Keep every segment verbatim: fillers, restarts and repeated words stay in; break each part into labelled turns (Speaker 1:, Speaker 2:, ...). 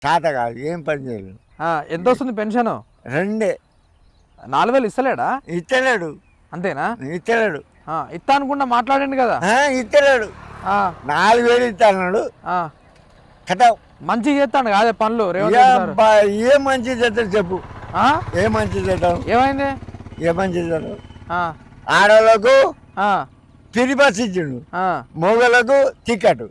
Speaker 1: తాత కాదు, ఏం పని చేయలేదు.
Speaker 2: ఎంత వస్తుంది పెన్షన్?
Speaker 1: రెండే.
Speaker 2: నాలుగు వేలు ఇస్తలేడా?
Speaker 1: ఇస్తలేడు.
Speaker 2: అంతేనా?
Speaker 1: ఇస్తలేడు.
Speaker 2: ఇస్తా అనుకుంటా మాట్లాడండి కదా.
Speaker 1: ఇస్తలేడు. నాలుగు వేలు ఇస్తాడు కథ. మంచిగా
Speaker 2: చేస్తాడు కాదే పనులు.
Speaker 1: ఏ మంచి చేస్తాడు చెప్పు. ఏ మంచి చేద్దాం?
Speaker 2: ఏమైంది?
Speaker 1: ఏ మంచి చేద్దాం? ఆడవాళ్ళకు ఫ్రీ బస్ ఇచ్చిండు, మొగలకు టికెట్,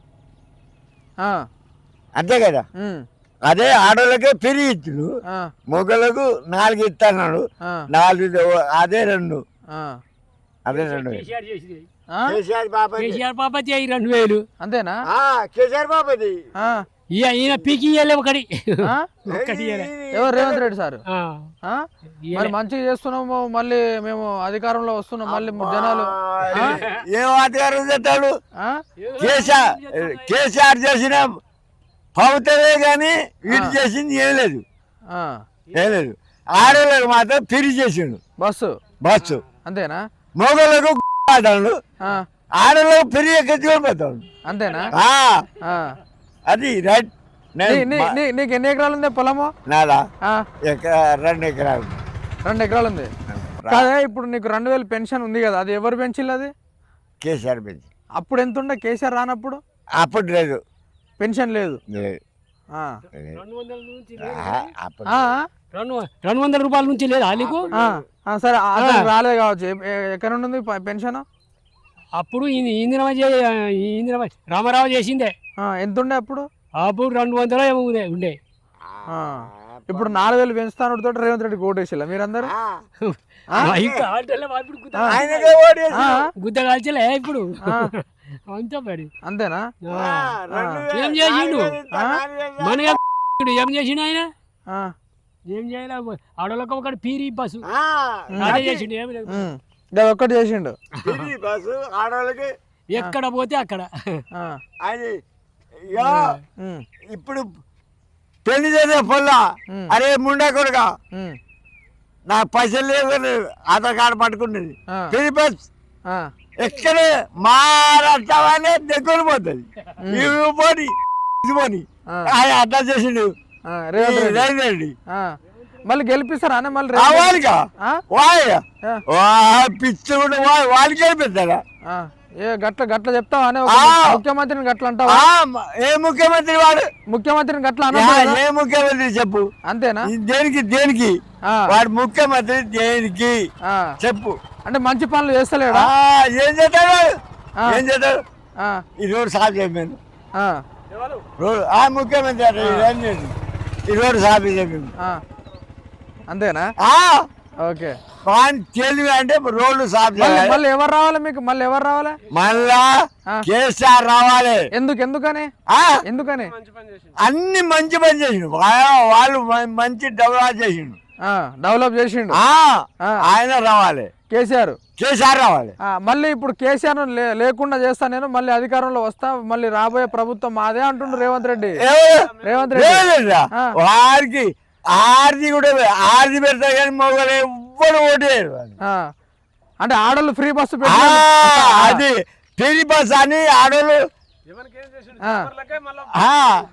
Speaker 1: అంతే కదా. అదే ఆడోళ్ళకే ఫ్రీ ఇచ్చిండు, మొగలకు నాలుగు ఇస్తున్నాడు. నాలుగు అదే రెండు అదే రెండు కేసీఆర్ బాపతి
Speaker 3: కేసీఆర్ బాపతి అయ్యి రెండు వేలు
Speaker 2: అంతేనా?
Speaker 1: కేసీఆర్ బాపతి
Speaker 3: ఈయన పీకి ఇయ్యలే ఒకటి ఒకటి
Speaker 2: ఎవరు? రేవంత్ రెడ్డి సార్. మరి మంచిగా చేస్తున్నాము, మళ్ళీ మేము అధికారంలో వస్తున్నాం, మళ్ళీ జనాలు
Speaker 1: ఏం అధికారం చేస్తాడు? కేసీఆర్ కేసీఆర్ చేసిన ప్రభుత్వమే కానీ వీటి చేసింది ఏం లేదు, ఏం లేదు. ఆడవాళ్ళకి మాత్రం ఫ్రీ చేసిండు బస్సు బస్సు అంతేనా? మొగలకు ఆడాడు, ఆడలకు ఫ్రీ ఎక్కించుకొని పోతాడు అంతేనా? అది రైట్.
Speaker 2: నీకు ఎన్ని ఎకరాలు ఉంది పొలము?
Speaker 1: నాదా రెండు ఎకరాలు.
Speaker 2: రెండు ఎకరాలు ఉంది కాదే. ఇప్పుడు నీకు రెండు వేలు పెన్షన్ ఉంది కదా, అది ఎవరు పెంచిల్లు? అది
Speaker 1: కేసీఆర్ పెంచి.
Speaker 2: అప్పుడు ఎంత ఉండే కేసీఆర్ రానప్పుడు?
Speaker 1: అప్పుడు లేదు,
Speaker 2: పెన్షన్ లేదు.
Speaker 3: రెండు వందల రూపాయల నుంచి లేదు నీకు?
Speaker 2: సరే రాలేదు కావచ్చు. ఎక్కడ ఉంటుంది పెన్షన్?
Speaker 3: అప్పుడు ఇందిరా ఇందిరా రామారావు చేసిందే.
Speaker 2: ఎంత ఉండే అప్పుడు?
Speaker 3: అప్పుడు రెండు వందలు ఏమో ఉండే.
Speaker 2: ఇప్పుడు నాలుగు వేలు పెంచుతాను తోటి రేవంత్ రెడ్డి ఓటేసిల్లా మీరందరూ?
Speaker 3: గుద్ద కాల్చలే ఇప్పుడు అంతా పడి.
Speaker 2: అంతేనా?
Speaker 3: ఏం చేసిండు మన ఏం చేసిండు ఆయన? ఏం చేయాలి? ఆడోళ్ళకి ఒకటి పీరి బస్సు అదే చేసిండు. ఏమి లేదు,
Speaker 2: ఒక్కటి చేసిండు
Speaker 1: బస్సు ఆడవాళ్ళకి.
Speaker 3: ఎక్కడ పోతే అక్కడ.
Speaker 1: అది ఇప్పుడు పెళ్లి చేసే పొల్లా, అరే ముండా కొడుక నా పైసలు లేవు, ఆధార్ కార్డు పట్టుకున్నది ఫ్రీ బస్ ఎక్కడ మారానే దగ్గర పోతుంది. ఇవి పోని పోని అట్లా చేసిండు రేవంత్ రెడ్డి.
Speaker 2: మళ్ళీ గెలిపిస్తారా? మళ్ళీ
Speaker 1: రావాలిగా పిచ్చి కూడా వాళ్ళు గెలిపిస్తారా?
Speaker 2: ఏ గట్ల గట్ల చెప్తావా? ముఖ్యమంత్రిని గట్ల అంటావా?
Speaker 1: ఏ ముఖ్యమంత్రి వాడు?
Speaker 2: ముఖ్యమంత్రిని గట్ల
Speaker 1: ఏ ముఖ్యమంత్రి చెప్పు?
Speaker 2: అంతేనా?
Speaker 1: దేనికి దేనికి వాడు ముఖ్యమంత్రి దేనికి చెప్పు?
Speaker 2: అంటే మంచి పనులు చేస్తలేడా?
Speaker 1: ఏం చేస్తాడు? ఏం చేస్తాడు? ఈ రోడ్డు సాఫ్ చేయమను. రోడ్ ఆ ముఖ్యమంత్రి ఈ రోడ్డు సాఫ్ చేయమను.
Speaker 2: అంతేనా? ఓకే.
Speaker 1: తెలివి అంటే రోడ్లు సాఫ్ చేయాలి.
Speaker 2: మళ్ళీ ఎవరు రావాలి మీకు? మళ్ళీ ఎవరు రావాలి?
Speaker 1: మళ్ళా కేసీఆర్ రావాలి.
Speaker 2: ఎందుకు? ఎందుకని? ఎందుకని?
Speaker 1: అన్ని మంచి పని చేసిండు వాళ్ళు, మంచి డెవలప్ చేసిండు,
Speaker 2: డెవలప్ చేసిండు.
Speaker 1: ఆయన రావాలి,
Speaker 2: కేసీఆర్.
Speaker 1: కేసీఆర్ రావాలి.
Speaker 2: మళ్ళీ ఇప్పుడు కేసీఆర్ లేకుండా చేస్తా నేను, మళ్ళీ అధికారంలో వస్తా, మళ్ళీ రాబోయే ప్రభుత్వం మాదే అంటుండ్రు రేవంత్ రెడ్డి. రేవంత్ రెడ్డి
Speaker 1: వారికి ఆర్ది కూడా ఆర్ది పెడతారు కానీ మొగలు ఎవ్వరు ఓటేరు.
Speaker 2: అంటే ఆడోళ్ళు ఫ్రీ బస్సు
Speaker 1: అది ఫ్రీ బస్ అని ఆడోళ్ళు